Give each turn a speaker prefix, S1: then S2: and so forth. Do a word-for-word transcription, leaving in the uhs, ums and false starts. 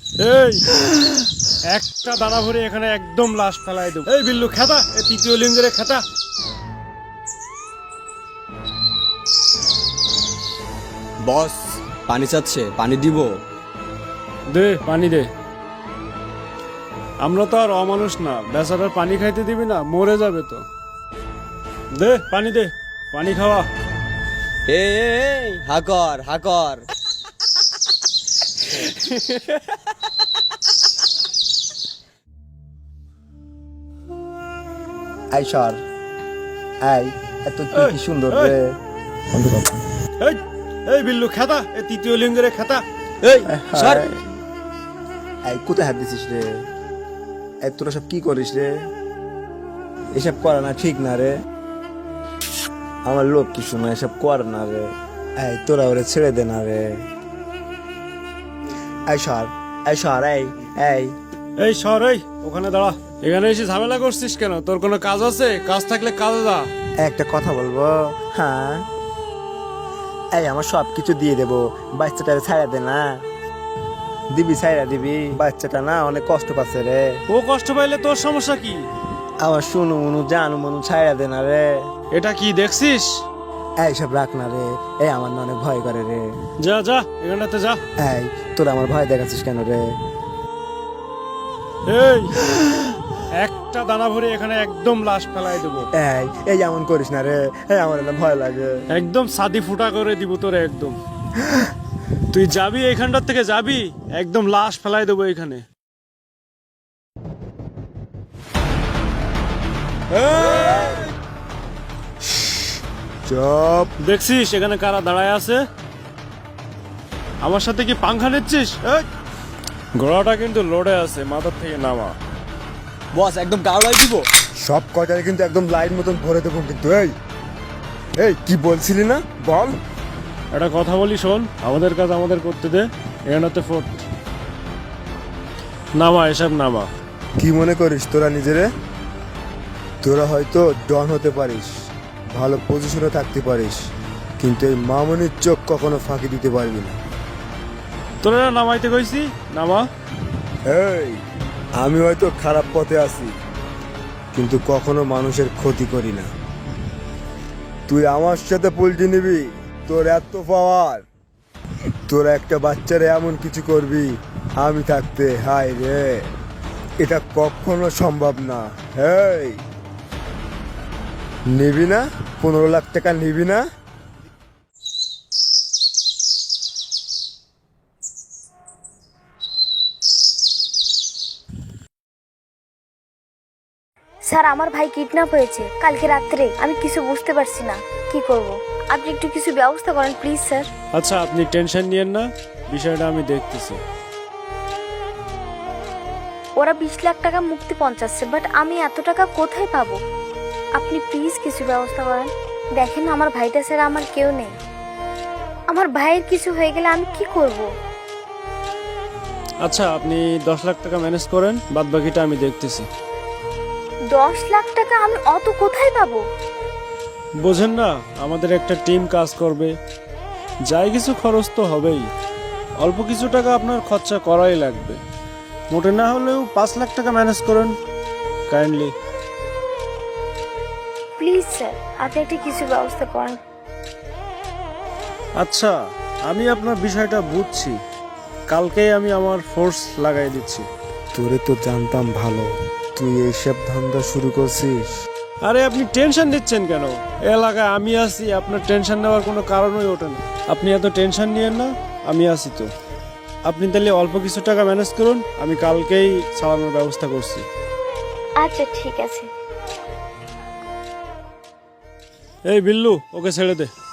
S1: এই একটা দানা ভরে এখানে একদম লাশ ফেলাই দেব। এই বিল্লু খেতা, এই তৃতীয় লিঙ্গের খেতা।
S2: বস পানি চাচ্ছে, পানি দিব?
S1: দে পানি দে। আমরা তো আর অমানুষ না, বেচারার পানি খাইতে দিবি না, মরে যাবে তো। দে পানি দে, পানি খাওয়া।
S2: এই হাকর হাকর।
S3: আই সর আই, এত কি কি সুন্দর
S1: এই,
S3: রে।
S1: এই এই বিল্লু খেতা, এই তৃতীয় লিঙ্গের খেতা।
S2: এই সর।
S3: এই কোথায় হাত দিছিস রে? এই তোরা সব কি করিস রে? এসব করা না ঠিক না রে। আমার লোক কি শোনা, এসব কর না রে। এই তোরা ওরে ছেড়ে দে না রে। এই সর এই সর এই এই
S1: এই সর, এই ওখানে দাঁড়া। এখানে এসে ঝামেলা করছিস কেন? তোর কোনো কাজ আছে? কাজ থাকলে কাজে যা।
S3: একটা কথা বলবো? হ্যাঁ, এই আমার সব কিছু দিয়ে দেবো, বাচ্চাটা ছাড়া দে না। দিবি ছাইরা দিবি, বাচ্চাটা না অনেক কষ্ট পাচ্ছে রে।
S1: ও কষ্ট পাইলে তোর সমস্যা কি?
S3: আমার শুনু মনু জানু মনু ছাইরা দে না রে।
S1: এটা কি দেখছিস?
S3: এই সব রাখ না রে, এই আমার না অনেক ভয় করে রে।
S1: যা যা, এখানটাতে যা।
S3: এই তোরা আমার ভয় দেখাচ্ছিস কেন রে?
S1: এই একটা দানা ভরে এখানে একদম লাশ ফেলাই দেবো।
S3: এই এই এমন করিস না রে, এই আমার না ভয় লাগে।
S1: একদম সাদি ফুটা করে দিব তোরে একদম। তুই যাবি এখানটার থেকে, যাবি একদম লাশ ফেলাই দেবো এখানে।
S3: চুপ।
S1: দেখছিস এখানে কারা দাঁড়ায় আছে? আমার সাথে কি পাংখা নিচ্ছিস? এই, ঘোড়াটা কিন্তু লোডে আছে, মাথার থেকে নামা।
S2: বস একদম গাওলাই দিব।
S3: সব কয়টারে কিন্তু একদম লাইন মতন ভরে দেবো কিন্তু। এই এই কি বলছিলি না বল?
S1: একটা কথা বলি শোন, আমাদের কাজ আমাদের করতে দে। এখানটাতে ফোট নামা, এসব নামা।
S3: কি মনে করিস তোরা নিজেরে? তোরা হয়তো ডন হতে পারিস, ভালো পজিশনে থাকতে পারিস, কিন্তু এই মামনির চোখ কখনো ফাঁকি দিতে পারবি না।
S1: তোরা নামাইতে কইছি, নামা।
S3: এই আমি হয়তো খারাপ পথে আছি, কিন্তু কখনো মানুষের ক্ষতি করি না। তুই আমার সাথে পোল্ট্রি নিবি? তোর এত পাওয়ার, তোরা একটা বাচ্চারে এমন কিছু করবি আমি থাকতে? হায় রে, এটা কখনো সম্ভব না। হেই, নিবি না? পনেরো লাখ টাকা নিবি না?
S4: স্যার, আমার ভাই কিডন্যাপ হয়েছে কালকে রাত্রে। আমি কিছু বুঝতে পারছি না কি করব। আপনি একটু কিছু ব্যবস্থা করেন প্লিজ স্যার।
S1: আচ্ছা আপনি টেনশন নিয়েন না, বিষয়টা আমি দেখতেছি।
S4: ওরা বিশ লাখ টাকা মুক্তি পঞ্চাশে, বাট আমি এত টাকা কোথায় পাবো? আপনি প্লিজ কিছু ব্যবস্থা করেন। দেখেন আমার ভাইটা স্যার, আমার কেউ নেই। আমার ভাইয়ের কিছু হয়ে গেলে আমি কি করব?
S1: আচ্ছা আপনি দশ লাখ টাকা ম্যানেজ করেন, বাদ বাকিটা আমি দেখতেছি।
S4: দশ লাখ টাকা আমি অত কোথায় পাবো?
S1: বোঝেন না, আমাদের একটা টিম কাজ করবে, যাই কিছু খরচ তো হবেই। অল্প কিছু টাকা আপনার খরচা করাই লাগবে, মোটে না হলেও পাঁচ লাখ টাকা ম্যানেজ করেন কাইন্ডলি।
S4: প্লিজ স্যার, আপনি একটা কিছু ব্যবস্থা করেন।
S1: আচ্ছা আমি আপনার বিষয়টা বুঝছি, কালকেই আমি আমার ফোর্স লাগাই দিচ্ছি।
S3: তোরে তো জানতাম ভালো, তুই এইসব ধান্দা শুরু করছিস।
S1: আরে আপনি টেনশন নিচ্ছেন কেন? এলাকায় আমি আছি, আপনার টেনশন নেওয়ার কোনো কারণই ওঠে না। আপনি এত টেনশন নিয়েন না, আমি আছি তো। আপনি তাহলে অল্প কিছু টাকা ম্যানেজ করুন, আমি কালকেই চালানোর ব্যবস্থা করছি।
S4: আচ্ছা ঠিক আছে।
S1: এই বিল্লু, ওকে ছেড়ে দে।